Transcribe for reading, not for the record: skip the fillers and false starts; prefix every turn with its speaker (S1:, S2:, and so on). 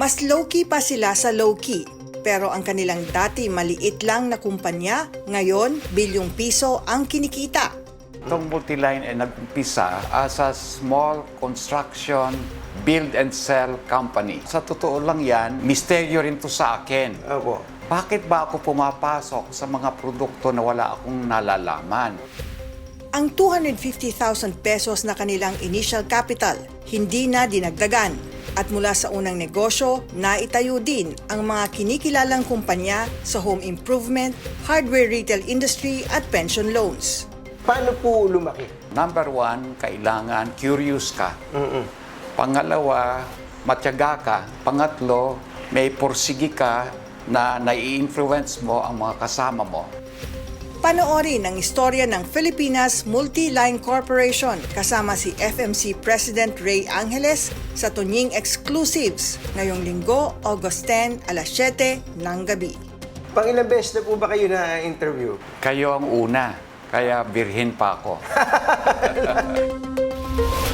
S1: Mas low-key pa sila sa low-key. Pero ang kanilang dati maliit lang na kumpanya, ngayon bilyong piso ang kinikita.
S2: Itong Multiline ay nag-umpisa as a small construction build and sell company. Sa totoo lang yan, misteryo rin to sa akin.
S3: Opo.
S2: Bakit ba ako pumapasok sa mga produkto na wala akong nalalaman?
S1: Ang 250,000 pesos na kanilang initial capital, hindi na dinagdagan. At mula sa unang negosyo, naitayo din ang mga kinikilalang kumpanya sa home improvement, hardware retail industry at pension loans.
S3: Paano po lumaki?
S2: Number one, kailangan curious ka. Pangalawa, matyaga ka. Pangatlo, may porsigi ka na nai-influence mo ang mga kasama mo.
S1: Panoorin ang istorya ng Filipinas Multi-Line Corporation kasama si FMC President Ray Angeles sa Tunying Exclusives ngayong linggo, August 10, alas 7 ng gabi.
S3: Pangilang beses na po ba kayo na-interview?
S2: Kayo ang una, kaya birhin pa ako.